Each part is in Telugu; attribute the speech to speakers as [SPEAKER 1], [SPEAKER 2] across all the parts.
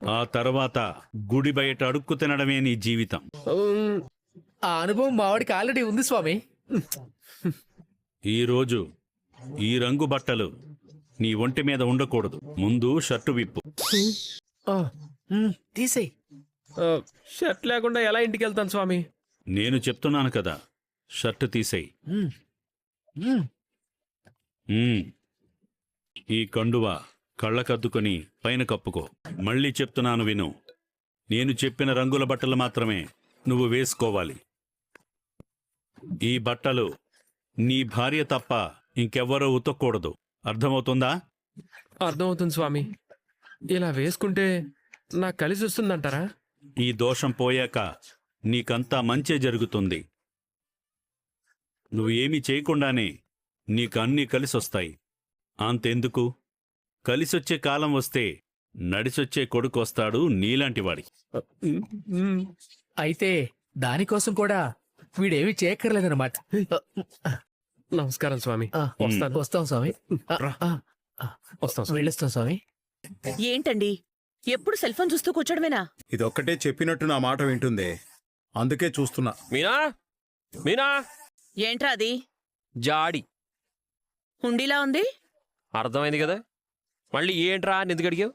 [SPEAKER 1] ఆ తర్వాత గుడి బయట అడుక్కు తినడమే నీ జీవితం.
[SPEAKER 2] ఆ అనుభవం మావాడికి ఆల్రెడీ ఉంది స్వామి.
[SPEAKER 1] ఈరోజు ఈ రంగు బట్టలు నీ ఒంటి మీద ఉండకూడదు. ముందు షర్టు విప్పు.
[SPEAKER 2] తీసేయ్.
[SPEAKER 3] షర్ట్ లేకుండా ఎలా ఇంటికి వెళ్తాను స్వామి?
[SPEAKER 1] నేను చెప్తున్నాను కదా, షర్టు తీసేయి. ఈ కండువ కళ్ళకద్దుకొని పైన కప్పుకో. మళ్ళీ చెప్తున్నాను విను. నేను చెప్పిన రంగుల బట్టలు మాత్రమే నువ్వు వేసుకోవాలి. ఈ బట్టలు నీ భార్య తప్ప ఇంకెవ్వరూ ఉతకూడదు. అర్థమవుతుందా?
[SPEAKER 3] అర్థమవుతుంది స్వామి. ఇలా వేసుకుంటే నాకు కలిసి వస్తుందంటారా?
[SPEAKER 1] ఈ దోషం పోయాక నీకంతా మంచే జరుగుతుంది. నువ్వు ఏమీ చేయకుండానే నీకు అన్నీ కలిసొస్తాయి. అంతెందుకు, కలిసొచ్చే కాలం వస్తే నడిసొచ్చే కొడుకు వస్తాడు నీలాంటివాడి.
[SPEAKER 2] అయితే దానికోసం కూడా వీడేమి చేయక్కర్లేదన్నమాట.
[SPEAKER 3] నమస్కారం స్వామి.
[SPEAKER 2] వస్తాం స్వామి.
[SPEAKER 3] వస్తాం.
[SPEAKER 2] వెళ్ళొస్తాం స్వామి.
[SPEAKER 4] ఏంటండి ఎప్పుడు సెల్ ఫోన్ చూస్తూ కూర్చోడమేనా?
[SPEAKER 5] ఇదొక్కటే చెప్పినట్టు నా మాట వింటుందే, అందుకే చూస్తున్నా.
[SPEAKER 3] మీనా, మీనా.
[SPEAKER 4] ఏంట్రా అది?
[SPEAKER 3] జాడి.
[SPEAKER 4] హుండీలా ఉంది.
[SPEAKER 3] అర్థమైంది కదా. మళ్ళీ ఏంట్రా అని ఎందుకు అడిగావు?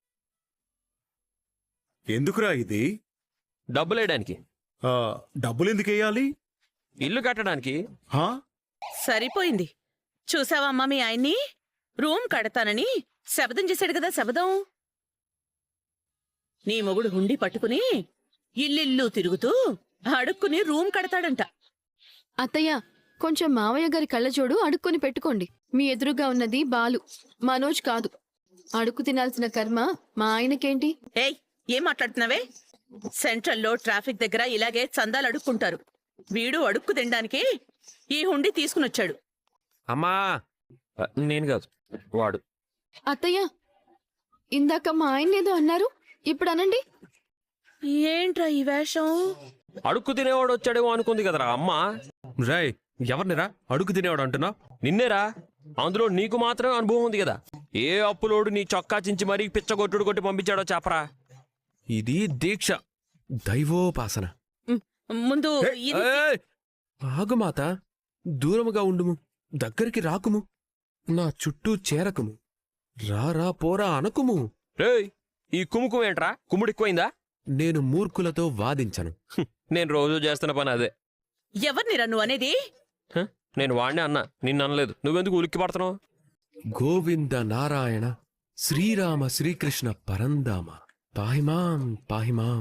[SPEAKER 5] ఎందుకురా ఇది?
[SPEAKER 3] డబ్బులు వేయడానికి.
[SPEAKER 5] డబ్బులు ఎందుకు వేయాలి?
[SPEAKER 3] ఇల్లు కట్టడానికి.
[SPEAKER 4] సరిపోయింది. చూసావా అమ్మా మీ ఆయన్ని? రూమ్ కడతానని శబదం చేశాడు కదా. శబదం. నీ మొగుడు హుండీ పట్టుకుని ఇల్లిల్లు తిరుగుతూ అడుక్కుని రూమ్ కడతాడంట.
[SPEAKER 6] అత్తయ్య, కొంచెం మావయ్య గారి కళ్ళజోడు అడుక్కొని పెట్టుకోండి. మీ ఎదురుగా ఉన్నది బాలు, మనోజ్ కాదు. అడుక్కు తినాల్సిన కర్మ మా ఆయనకేంటి?
[SPEAKER 4] ఏయ్, ఏం మాట్లాడుతున్నావే? సెంట్రల్లో ట్రాఫిక్ దగ్గర ఇలాగే చందాలు అడుక్కుంటారు. వీడు అడుక్కు తినడానికి ఈ హుండీ తీసుకునొచ్చాడు.
[SPEAKER 3] అమ్మా, నేను కాదు, వాడు.
[SPEAKER 6] అత్తయ్య, ఇందాక మా ఆయన ఏదో అన్నారు, ఇప్పుడు అనండి.
[SPEAKER 4] ఏంట్రా ఈ వేషం?
[SPEAKER 3] అడుక్కు తినేవాడు వచ్చాడేమో అనుకుంది కదరా అమ్మా. రాయ్, ఎవరినిరా అడుక్కు తినేవాడు అంటున్నా? నిన్నేరా. అందులో నీకు మాత్రమే అనుభవం ఉంది కదా. ఏ అప్పులోడు నీ చొక్కా చించి మరీ పిచ్చగొట్టుడు కొట్టి పంపించాడో చెప్పరా. ఇది దీక్ష, దైవోపాసన.
[SPEAKER 4] ముందు
[SPEAKER 3] ఆగుమాత, దూరముగా ఉండుము, దగ్గరికి రాకుము, నా చుట్టూ చేరకుము, రారా పోరా అనకుము. రేయ్, ఈ కుముకుమేంట్రా? కుమ్ముడిక్కువైందా? నేను మూర్ఖులతో వాదించను. నేను రోజు చేస్తున్న పని అదే.
[SPEAKER 4] ఎవరినిరా నువ్వు అనేది?
[SPEAKER 3] నేను వాడినే అన్నా, నిన్ను అనలేదు. నువ్వెందుకు ఉలిక్కి పడుతున్నావు? గోవింద నారాయణ శ్రీరామ శ్రీకృష్ణ పరందామ పాహిమాం పాహిమాం.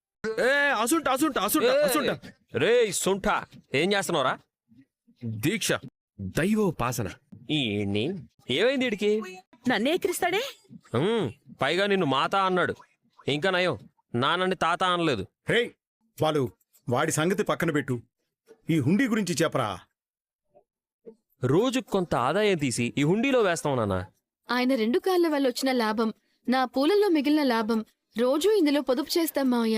[SPEAKER 3] రే సుంఠ, ఏం చేస్తున్నావురా? దీక్ష, దైవోపాసన. ఏమైంది వీడికి?
[SPEAKER 4] నన్నే ఎక్కిరిస్తాడే.
[SPEAKER 3] పైగా నిన్ను మాత అన్నాడు. ఇంకా నయం, నాన్నని తాత అనలేదు.
[SPEAKER 5] రే వాళ్ళు, వాడి సంగతి పక్కన పెట్టు. ఈ హుండీ గురించి చెప్పరా.
[SPEAKER 3] రోజుకు కొంత ఆదాయం తీసి ఈ హుండీలో వేస్తాం నాన్న.
[SPEAKER 6] ఆయన 2 కాళ్ళ వల్ల వచ్చిన లాభం, నా పూలల్లో మిగిలిన లాభం రోజూ ఇందులో పొదుపు చేస్తాం మావయ్య.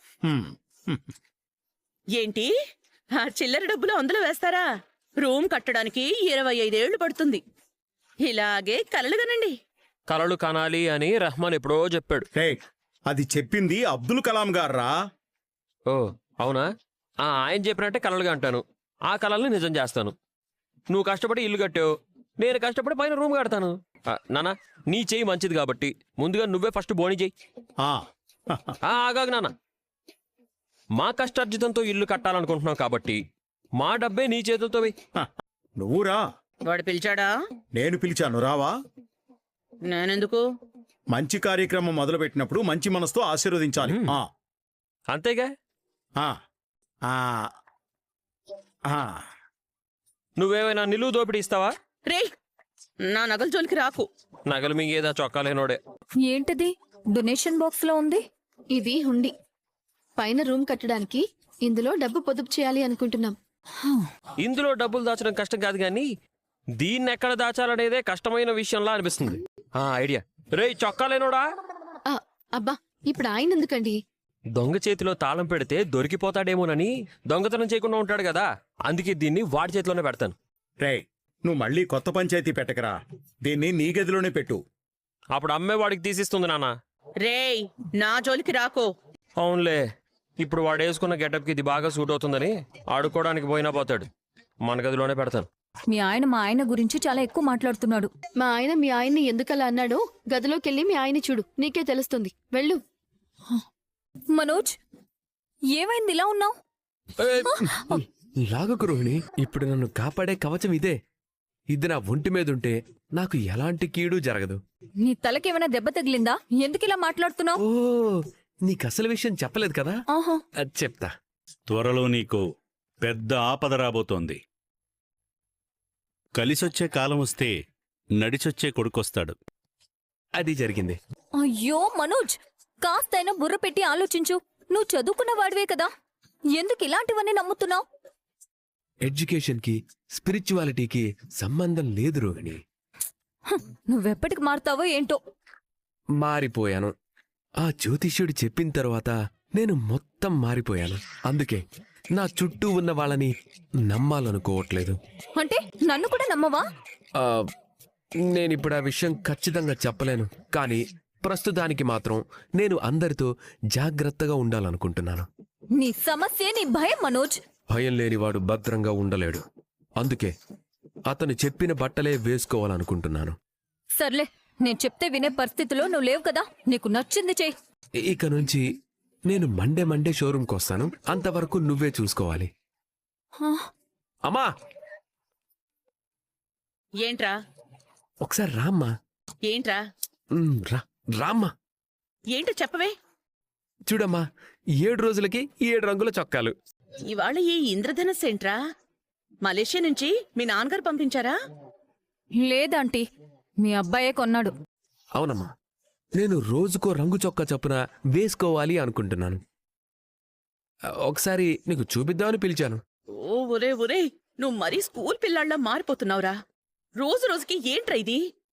[SPEAKER 4] ఏంటి, ఆ చిల్లర డబ్బులు అందులో వేస్తారా? రూమ్ కట్టడానికి 25 ఏళ్లు పడుతుంది. ఇలాగే కలలుగనండి.
[SPEAKER 3] కలలు కనాలి అని రెహమాన్ ఎప్పుడో చెప్పాడు.
[SPEAKER 5] రే, అది చెప్పింది అబ్దుల్ కలాం గారా.
[SPEAKER 3] ఓ అవునా? ఆయన చెప్పినట్టే కలలుగా అంటాను. ఆ కలల్ని నిజం చేస్తాను. నువ్వు కష్టపడి ఇల్లు కట్టావు, నేను కష్టపడి పైన రూమ్ కడతాను. నాన్న, నీ చెయ్యి మంచిది కాబట్టి ముందుగా నువ్వే ఫస్ట్ బోని చెయ్యి. ఆగాగు నాన్న. మా కష్టార్జితంతో ఇల్లు కట్టాలనుకుంటున్నావు కాబట్టి మా డబ్బే నీ చేతులతో వెయ్యి.
[SPEAKER 5] నువ్వురా.
[SPEAKER 4] వాడు పిలిచాడా?
[SPEAKER 5] నేను పిలిచాను, రావా.
[SPEAKER 4] నేనెందుకు?
[SPEAKER 5] మంచి కార్యక్రమం మొదలుపెట్టినప్పుడు మంచి మనసుతో ఆశీర్వదించాలి.
[SPEAKER 3] అంతేగా. నువ్వేమైనా నిలువు దోపిడీ ఇస్తావా?
[SPEAKER 4] రే, నా నగల జోలికి రాకు.
[SPEAKER 3] నగలు మింగేదా చొక్కాలేనోడే.
[SPEAKER 6] ఏంటిది డొనేషన్ బాక్స్ లో ఉంది? ఇది హుండీ. పైన రూమ్ కట్టడానికి ఇందులో డబ్బు పొదుపు చేయాలి అనుకుంటున్నాం.
[SPEAKER 3] ఇందులో డబ్బులు దాచడం కష్టం కాదు గాని దీన్ని ఎక్కడ దాచాలనేదే కష్టమైన విషయంలా అనిపిస్తుంది. ఐడియా. రే చొక్కాలేనోడా.
[SPEAKER 6] అబ్బా, ఇప్పుడు ఆయన ఎందుకండి?
[SPEAKER 3] దొంగ చేతిలో తాళం పెడితే దొరికిపోతాడేమోనని దొంగతనం చేయకుండా ఉంటాడు కదా, అందుకే దీన్ని వాడి చేతిలోనే పెడతాను.
[SPEAKER 5] రే, నువ్వు మళ్ళీ కొత్త పంచాయతీ పెట్టకరా. దీన్ని నీ గదిలోనే పెట్టు.
[SPEAKER 3] అప్పుడు అమ్మే వాడికి తీసిస్తుంది నాన్న.
[SPEAKER 4] రేయ్ నా జోలికి రాకో.
[SPEAKER 3] అవునులే, ఇప్పుడు వాడు వేసుకున్న గెటప్కి ఇది బాగా సూట్ అవుతుందని ఆడుకోవడానికి పోయినా పోతాడు. మన గదిలోనే పెడతాను.
[SPEAKER 7] మీ ఆయన మా ఆయన గురించి చాలా ఎక్కువ మాట్లాడుతున్నాడు.
[SPEAKER 6] మా ఆయన మీ ఆయన్ని ఎందుకలా అన్నాడో గదిలోకెళ్ళి మీ ఆయన్ని చూడు, నీకే తెలుస్తుంది. వెళ్ళు.
[SPEAKER 7] మనోజ్, ఏమైంది ఇలా ఉన్నావు?
[SPEAKER 8] లాగకు రోహిణి, ఇప్పుడు నన్ను కాపాడే కవచం ఇదే. ఇది నా ఒంటి మీద ఉంటే నాకు ఎలాంటి కీడు జరగదు.
[SPEAKER 7] నీ తలకేమైనా దెబ్బ తగిలిందా? ఎందుకు ఇలా మాట్లాడుతున్నావు?
[SPEAKER 8] ఓ, నీకు అసలు విషయం చెప్పలేదు కదా?
[SPEAKER 7] ఆహా.
[SPEAKER 8] అది చెప్తా.
[SPEAKER 1] త్వరలో నీకు పెద్ద ఆపద రాబోతోంది. కలిసొచ్చే కాలం వస్తే నడిచొచ్చే కొడుకొస్తాడు.
[SPEAKER 8] అది జరిగింది.
[SPEAKER 7] అయ్యో మనోజ్, కాస్తైనా బుర్ర పెట్టి ఆలోచించు. నువ్వు చదువుకున్న వాడివే కదా, ఎందుకు ఇలాంటివన్నీ నమ్ముతున్నావు?
[SPEAKER 8] ఎడ్యుకేషన్ కి స్పిరిచువాలిటీకి సంబంధం లేదు రోహిణి.
[SPEAKER 7] నువ్వెప్పటికి మారుతావో ఏంటో.
[SPEAKER 8] మారిపోయాను. ఆ జ్యోతిష్యుడు చెప్పిన తర్వాత నేను మొత్తం మారిపోయాను. అందుకే నా చుట్టూ ఉన్న వాళ్ళని నమ్మాలనుకోవట్లేదు.
[SPEAKER 7] అంటే నన్ను కూడా నమ్మవా?
[SPEAKER 8] ఆ, నేనిప్పుడు ఆ విషయం ఖచ్చితంగా చెప్పలేను, కానీ ప్రస్తుతానికి మాత్రం నేను అందరితో జాగ్రత్తగా ఉండాలనుకుంటున్నాను.
[SPEAKER 7] నీ సమస్య నీ భయం మనోజ్.
[SPEAKER 8] భయం లేనివాడు భద్రంగా ఉండలేడు. అందుకే అతను చెప్పిన బట్టలే వేసుకోవాలనుకుంటున్నాను.
[SPEAKER 7] సర్లే, నేను చెప్తే వినే పరిస్థితిలో నువ్వు లేవు కదా. నీకు నచ్చింది చెయ్యి.
[SPEAKER 8] ఇక నుంచి నేను మండే షోరూంకి వస్తాను. అంతవరకు నువ్వే చూసుకోవాలి.
[SPEAKER 7] హా,
[SPEAKER 8] అమ్మా,
[SPEAKER 4] ఏంట్రా
[SPEAKER 8] ఒకసారి రామ్మా.
[SPEAKER 4] ఏంట్రా
[SPEAKER 8] రామ్మా.
[SPEAKER 4] ఏంటో చెప్పవే.
[SPEAKER 8] చూడమ్మా, 7 రోజులకి 7 రంగుల చొక్కాలు.
[SPEAKER 4] ఇవాళ ఈ ఇంద్రధనస్సు ఏంట్రా? మలేషియా నుంచి మీ నాన్నగారు పంపించారా?
[SPEAKER 7] లేదంటీ, మీ అబ్బాయే కొన్నాడు.
[SPEAKER 8] అవునమ్మా, నేను రోజుకో రంగు చొక్కా చొప్పున వేసుకోవాలి అనుకుంటున్నాను. ఒకసారి నీకు చూపిద్దామని పిలిచాను.
[SPEAKER 4] ఓ ఒరే ఒరే, నువ్వు మరీ స్కూల్ పిల్లాళ్ళ మారిపోతున్నావురా. రోజు రోజుకి ఏంట్రా ఇది?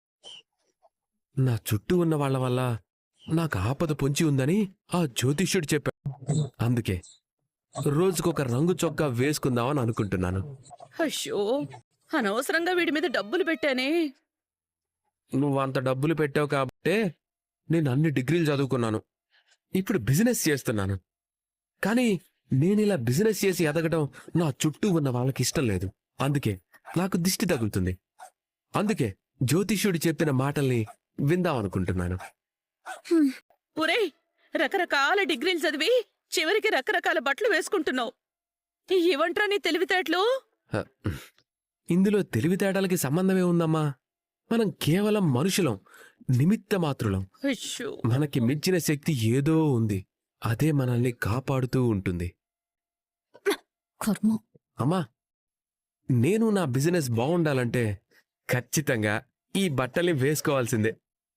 [SPEAKER 8] నా చుట్టూ ఉన్న వాళ్ళ వల్ల నాకు ఆపద పొంచి ఉందని ఆ జ్యోతిష్యుడు చెప్పాడు. అందుకే రోజుకొక రంగు చొక్కా వేసుకుందామని అనుకుంటున్నాను.
[SPEAKER 4] అయ్యో, అనవసరంగా వీడి మీద డబ్బులు పెట్టానే.
[SPEAKER 8] నువ్వు అంత డబ్బులు పెట్టావు కాబట్టే నేను అన్ని డిగ్రీలు చదువుకున్నాను. ఇప్పుడు బిజినెస్ చేస్తున్నాను. కానీ నేనిలా బిజినెస్ చేసి ఎదగడం నా చుట్టూ ఉన్న వాళ్ళకి ఇష్టం లేదు. అందుకే నాకు దిష్టి తగులుతుంది. అందుకే జ్యోతిష్యుడు చెప్పిన మాటల్ని విందామనుకుంటున్నాను.
[SPEAKER 4] ఒరే, రకరకాల డిగ్రీలు చదివి చివరికి రకరకాల బట్టలు వేసుకుంటున్నావు. ఇవంట్రా నీ తెలివితేటలు?
[SPEAKER 8] హ, ఇందులో తెలివితేటలకి సంబంధమే ఉందమ్మా. మనం కేవలం మనుషులం, నిమిత్త మాత్రులం.
[SPEAKER 4] అయ్యో,
[SPEAKER 8] మనకి మించిన శక్తి ఏదో ఉంది. అదే మనల్ని కాపాడుతూ ఉంటుంది.
[SPEAKER 7] కర్మ.
[SPEAKER 8] అమ్మా, నేను నా బిజినెస్ బాగుండాలంటే ఖచ్చితంగా ఈ బట్టల్ని వేసుకోవాల్సిందే.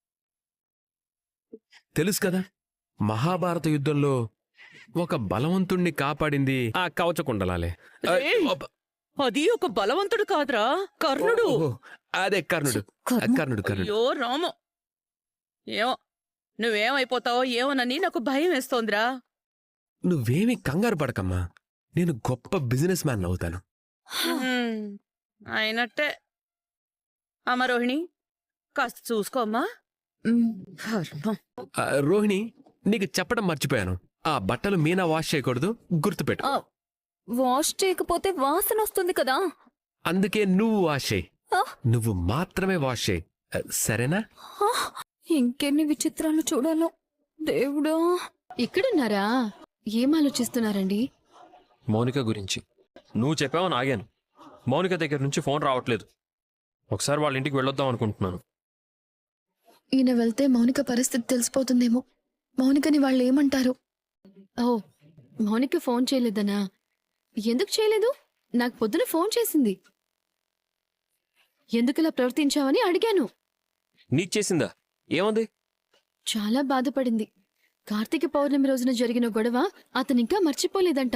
[SPEAKER 8] తెలుసు కదా, మహాభారత యుద్ధంలో ఒక బలవంతుణ్ణి కాపాడింది ఆ కవచకుండలాలే.
[SPEAKER 4] ఏయ్! అది ఒక బలవంతుడు కాదురా, కర్ణుడు.
[SPEAKER 8] ఓహో, అదే కర్ణుడు. కర్ణుడు.
[SPEAKER 4] అయ్యో రాము, ఏమో నువ్వేమైపోతావో ఏమోనని నాకు భయం వేస్తోందిరా.
[SPEAKER 8] నువ్వేమీ కంగారు పడకమ్మా, నేను గొప్ప బిజినెస్ మ్యాన్ అవుతాను.
[SPEAKER 4] హ్మ్, అయినట్టే. అమ్మ రోహిణి, కాస్త చూసుకోమ్మా.
[SPEAKER 7] మ్,
[SPEAKER 4] కర్మ.
[SPEAKER 8] రోహిణి, నీకు చెప్పడం మర్చిపోయాను. ఆ బట్టలు మీనా వాష్ చేయకూడదు, గుర్తుపెట్టు.
[SPEAKER 7] ఆ, వాష్ చేయకపోతే వాసన వస్తుంది కదా.
[SPEAKER 8] అందుకే నువ్వు వాష్ చేయి.
[SPEAKER 7] ఆ.
[SPEAKER 8] నువ్వు మాత్రమే వాష్ చేయి, సరేనా?
[SPEAKER 7] ఆ, ఇంకెన్ని విచిత్రాలు చూడాలో దేవుడా.
[SPEAKER 6] ఇక్కడున్నారా? ఏం ఆలోచిస్తున్నారండి?
[SPEAKER 3] మౌనిక గురించి నువ్వు చెప్పావని ఆగాను. మౌనిక దగ్గర నుంచి ఫోన్ రావట్లేదు. ఒకసారి వాళ్ళ ఇంటికి వెళ్ళొద్దాం అనుకుంటున్నాను.
[SPEAKER 6] ఈయన వెళ్తే మౌనిక పరిస్థితి తెలిసిపోతుందేమో. మౌనికని వాళ్ళు ఏమంటారు? ఓ, మౌనిక ఫోన్ చేయలేదనా? ఎందుకు చేయలేదు? నాకు పొద్దున ఫోన్ చేసింది. ఎందుకులా ప్రవర్తించావని అడిగాను.
[SPEAKER 3] నీకు చేసిందా? ఏమంది?
[SPEAKER 6] చాలా బాధపడింది. కార్తీక పౌర్ణమి రోజున జరిగిన గొడవ అతనింకా మర్చిపోలేదంట.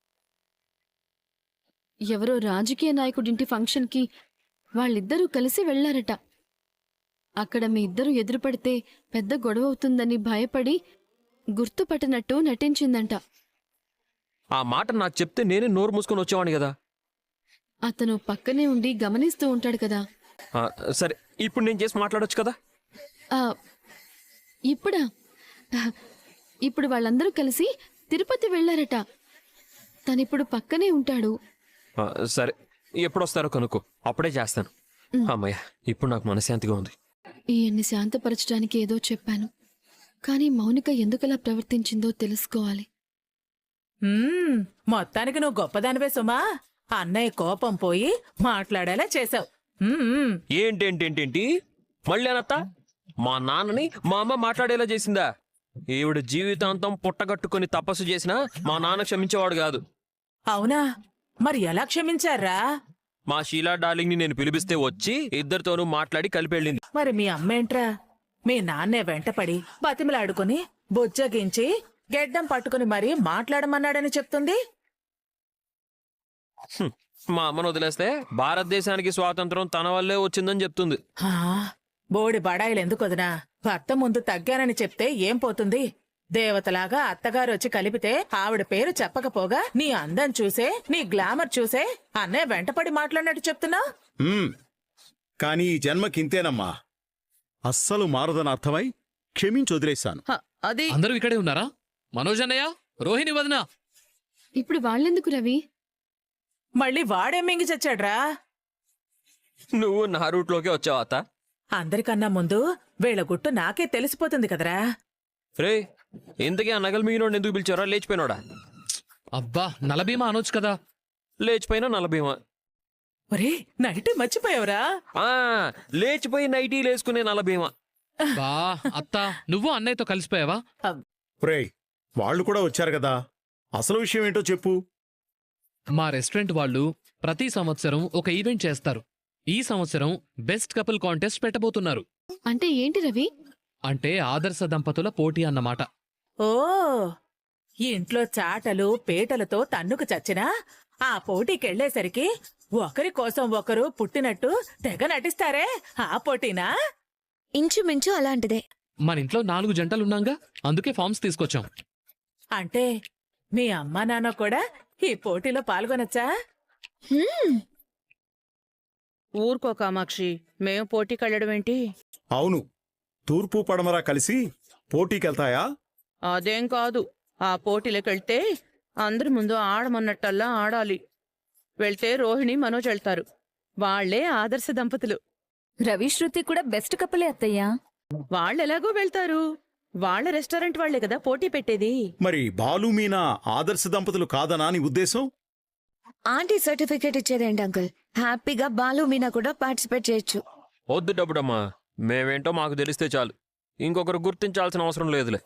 [SPEAKER 6] ఎవరో రాజకీయ నాయకుడింటి ఫంక్షన్కి వాళ్ళిద్దరూ కలిసి వెళ్లారట. అక్కడ మీ ఇద్దరు ఎదురుపడితే పెద్ద గొడవ అవుతుందని భయపడి గుర్తుపట్టనట్టు నటించిందంట.
[SPEAKER 3] ఆ మాట నాకు చెప్తే నేనే నోరు మూసుకొని వచ్చేవాడిని కదా.
[SPEAKER 6] అతను పక్కనే ఉండి గమనిస్తూ ఉంటాడు కదా.
[SPEAKER 3] సరే, ఇప్పుడు నేను చేసి మాట్లాడొచ్చు కదా.
[SPEAKER 6] ఆ, ఇప్పుడా? ఇప్పుడు వాళ్ళందరూ కలిసి తిరుపతి వెళ్ళారట. తనిప్పుడు పక్కనే ఉంటాడు.
[SPEAKER 3] సరే ఎప్పుడు వస్తారో కనుక్కో, అప్పుడే చేస్తాను. అమ్మయ్య, ఇప్పుడు నాకు మనశ్శాంతిగా ఉంది.
[SPEAKER 6] ఈయన్ని శాంతపరచడానికి ఏదో చెప్పాను, కానీ మౌనిక ఎందుకలా ప్రవర్తించిందో తెలుసుకోవాలి.
[SPEAKER 9] మొత్తానికి నువ్వు గొప్పదానివే సుమా. అన్నయ్య కోపం పోయి మాట్లాడేలా చేసావు.
[SPEAKER 3] ఏంటేంటేంటేంటి మళ్ళీ అనత్త? మా నాన్నని మా అమ్మ మాట్లాడేలా చేసిందా? ఈవిడ జీవితాంతం పుట్టగట్టుకుని తపస్సు చేసినా మా నాన్న క్షమించేవాడు కాదు.
[SPEAKER 9] అవునా? మరి ఎలా క్షమించారా?
[SPEAKER 3] మా షీలా డార్లింగ్ ని నేను పిలిపిస్తే వచ్చి ఇద్దరితోనూ మాట్లాడి కలిపెళ్ళింది.
[SPEAKER 9] మరి మీ అమ్మేంట్రా? మీ నాన్నే వెంటపడి బతిమలాడుకుని బుజ్జగించి గెడ్డం పట్టుకుని మరీ మాట్లాడమన్నాడని చెప్తుంది.
[SPEAKER 3] మా అమ్మను వదిలేస్తే భారతదేశానికి స్వాతంత్రం తన వల్లే వచ్చిందని చెప్తుంది.
[SPEAKER 9] హా, బోడి బడాయిలు ఎందుకు వదినా? భర్త ముందు తగ్గానని చెప్తే ఏం పోతుంది? దేవతలాగా అత్తగారు వచ్చి కలిపితే ఆవిడ పేరు చెప్పకపోగా నీ అందం చూసే, నీ గ్లామర్ చూసే అన్నయ్య వెంటపడి మాట్లాడినట్టు చెప్తున్నా.
[SPEAKER 5] కానీ ఈ జన్మకింతేనమ్మా. అస్సలు మారదని అర్థమై క్షమించి వదిలేశాను.
[SPEAKER 4] అది
[SPEAKER 2] అందరూ ఇక్కడే ఉన్నారా? మనోజ్ అన్నయ్య, రోహిణి వదినా.
[SPEAKER 6] ఇప్పుడు వాళ్ళెందుకు రవి?
[SPEAKER 9] మళ్ళీ వాడేం మింగి చచ్చాడ్రా?
[SPEAKER 3] నువ్వు నా రూట్లోకే వచ్చావు అత్త.
[SPEAKER 9] అందరికన్నా ముందు వీళ్ళ గుట్టు నాకే తెలిసిపోతుంది కదరా.
[SPEAKER 3] రే, ఇంతకీ ఆ నగలు మిగిలినోడు ఎందుకు పిలిచారా? లేచిపోయినోడా?
[SPEAKER 2] అబ్బా, నలభీమా అనొచ్చు కదా.
[SPEAKER 3] లేచిపోయినా నలభీమా.
[SPEAKER 9] ఒరే, నైట్ మర్చిపోయావురా?
[SPEAKER 3] ఆ, లేచిపోయి నైటీలు వేసుకునే నలభీమా.
[SPEAKER 2] బా అత్త, నువ్వు అన్నయ్యతో కలిసిపోయావా?
[SPEAKER 5] ఒరేయ్, వాళ్ళు కూడా వచ్చారు కదా, అసలు విషయం ఏంటో చెప్పు.
[SPEAKER 2] మా రెస్టారెంట్ వాళ్ళు ప్రతి సంవత్సరం ఒక ఈవెంట్ చేస్తారు. ఈ సంవత్సరం బెస్ట్ కపుల్ కాంటెస్ట్ పెట్టబోతున్నారు.
[SPEAKER 6] అంటే ఏంటి రవి?
[SPEAKER 2] అంటే ఆదర్శ దంపతుల పోటీ అన్నమాట.
[SPEAKER 9] ఓ, ఇంట్లో చాటలు పేటలతో తన్నుకు చచ్చినా ఆ పోటీకెళ్లేసరికి ఒకరి కోసం ఒకరు పుట్టినట్టు తెగ నటిస్తారే, ఆ పోటీనా?
[SPEAKER 7] ఇంచుమించు అలాంటిదే.
[SPEAKER 2] మన ఇంట్లో 4 జంటలున్నాంగా, అందుకే ఫార్మ్స్ తీసుకొచ్చాం.
[SPEAKER 9] అంటే మీ అమ్మా నాన్న కూడా ఈ పోటీలో పాల్గొనొచ్చా?
[SPEAKER 4] ఊరుకో కామాక్షి, మేము పోటీకెళ్ళడం ఏంటి?
[SPEAKER 5] అవును, తూర్పు పడమరా కలిసి పోటీకెళ్తాయా?
[SPEAKER 4] అదేం కాదు. ఆ పోటీలకెళ్తే అందరి ముందు ఆడమన్నట్టల్లా ఆడాలి. వెళ్తే రోహిణి మనోజ్ వెళ్తారు. వాళ్లే ఆదర్శ దంపతులు.
[SPEAKER 7] రవి శృతి కూడా బెస్ట్ కపులే అత్తయ్యా.
[SPEAKER 4] వాళ్ళెలాగో వెళ్తారు. వాళ్ళ రెస్టారెంట్ వాళ్లే కదా పోటీ పెట్టేది.
[SPEAKER 5] మరి బాలు మీనా ఆదర్శ దంపతులు కాదనా నీ ఉద్దేశం?
[SPEAKER 10] ఆంటీ సర్టిఫికేట్ ఇచ్చేదేంటి అంకుల్? హ్యాపీగా బాలు మీనా కూడా పార్టిసిపేట్ చేయొచ్చు.
[SPEAKER 3] వద్దు డబ్బుడమ్మా, మేమేంటో మాకు తెలిస్తే చాలు. ఇంకొకరు గుర్తించాల్సిన అవసరం లేదులే.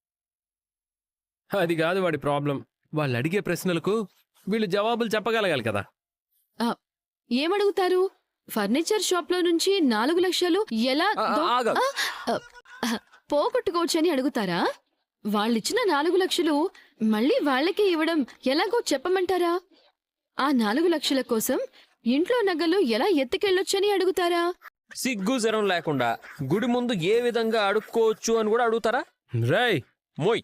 [SPEAKER 8] అది కాదు వాడి ప్రాబ్లం. వాళ్ళు అడిగే ప్రశ్నలకు వీళ్ళు జవాబులు చెప్పగలగాలి కదా.
[SPEAKER 6] ఏమడుగుతారు? ఫర్నిచర్ షాప్ లో నుంచి 4 లక్షలు ఎలా
[SPEAKER 3] ఆగు.
[SPEAKER 6] పోగొట్టుకోవచ్చని అడుగుతారా? వాళ్ళిచ్చిన 4 లక్షలు మళ్ళీ వాళ్ళకే ఇవ్వడం ఎలాగో చెప్పమంటారా? ఆ 4 లక్షల కోసం ఇంట్లో నగలు ఎలా ఎత్తుకెళ్ళొచ్చని అడుగుతారా?
[SPEAKER 3] సిగ్గు జరం లేకుండా గుడి ముందు ఏ విధంగా అడుక్కోవచ్చు అని కూడా అడుగుతారా?
[SPEAKER 8] రేయ్,
[SPEAKER 3] మోయ్.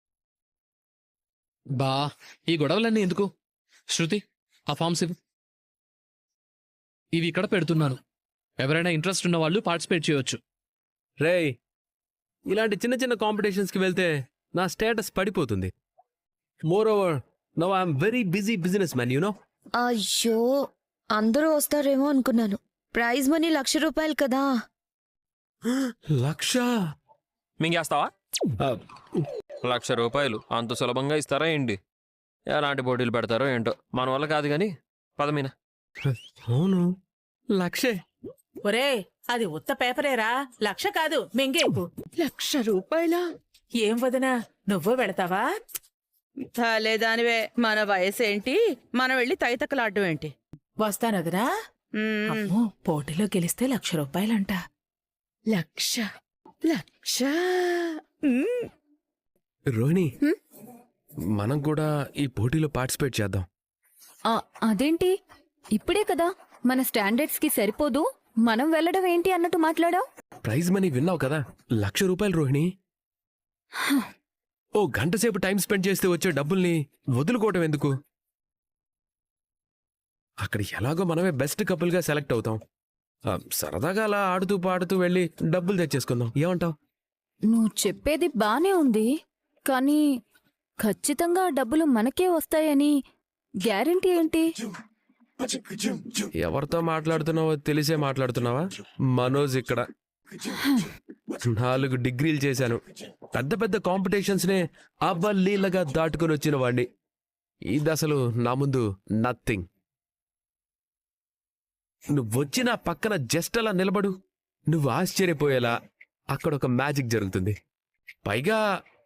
[SPEAKER 2] బా, ఈ గొడవలన్నీ ఎందుకు? శృతి, ఆ ఫార్మ్స్ ఇవ్వు. ఇవి ఇక్కడ పెడుతున్నాను. ఎవరైనా ఇంట్రెస్ట్ ఉన్న వాళ్ళు పార్టిసిపేట్ చేయొచ్చు.
[SPEAKER 8] రేయ్, ఇలాంటి చిన్న చిన్న కాంపిటీషన్స్కి వెళ్తే నా స్టేటస్ పడిపోతుంది. Moreover now I'm very busy business man, you know.
[SPEAKER 10] అయ్యో, అందరూ వస్తారేమో అనుకున్నాను. ప్రైజ్ మనీ ₹1,00,000 కదా.
[SPEAKER 8] 1,00,000?
[SPEAKER 3] మింగేస్తావా?
[SPEAKER 8] ఆ,
[SPEAKER 3] ₹1,00,000 అంత సులభంగా ఇస్తారా ఏంటి? ఎలాంటి పోటీలు పెడతారో ఏంటో, మన వల్ల కాదు గాని పదమీనా.
[SPEAKER 8] అవును, 1,00,000.
[SPEAKER 9] ఒరే, అది ఉత్త పేపరేరా, 1,00,000 కాదు, మింగేపు.
[SPEAKER 4] ₹1,00,000?
[SPEAKER 9] ఏం వదినా, నువ్వు వెళతావా?
[SPEAKER 4] లేదానివే, మన వయసేంటి, మనం వెళ్ళి తైతక్కలాడడం ఏంటి?
[SPEAKER 9] వస్తానదినా? అమ్మో, పోటీలో గెలిస్తే ₹1,00,000
[SPEAKER 4] లక్ష.
[SPEAKER 8] రోహిణి, మనం కూడా ఈ పోటీలో పార్టిసిపేట్ చేద్దాం.
[SPEAKER 7] అదేంటి ఇప్పుడే కదా? మన స్టాండర్డ్స్ కి సరిపోదు, మనం వెళ్ళడం ఏంటి అన్నట్టు మాట్లాడావు.
[SPEAKER 8] ప్రైజ్ మనీ విన్నావు కదా, ₹1,00,000 రోహిణి. ఓ గంట సేపు టైం స్పెండ్ చేస్తే వచ్చే డబ్బుల్ని వదులుకోవటం ఎందుకు? అక్కడ ఎలాగో మనమే బెస్ట్ కపుల్గా సెలెక్ట్ అవుతాం. సరదాగా అలా ఆడుతూ పాడుతూ వెళ్ళి డబ్బులు తెచ్చేసుకుందాం, ఏమంటావ్?
[SPEAKER 7] నువ్వు చెప్పేది బానే ఉంది కానీ ఖచ్చితంగా ఆ డబ్బులు మనకే వస్తాయని గ్యారెంటీ ఏంటి?
[SPEAKER 8] ఎవరితో మాట్లాడుతున్నావో తెలిసే మాట్లాడుతున్నావా? మనోజ్ ఇక్కడ. 4 డిగ్రీలు చేశాను. పెద్ద పెద్ద కాంపిటీషన్స్నే అవలీలగా దాటుకొని వచ్చిన వాణ్ణి. ఇది అసలు నా ముందు నథింగ్. నువ్వొచ్చి నా పక్కన జస్ట్ అలా నిలబడు, నువ్వు ఆశ్చర్యపోయేలా అక్కడ ఒక మ్యాజిక్ జరుగుతుంది. పైగా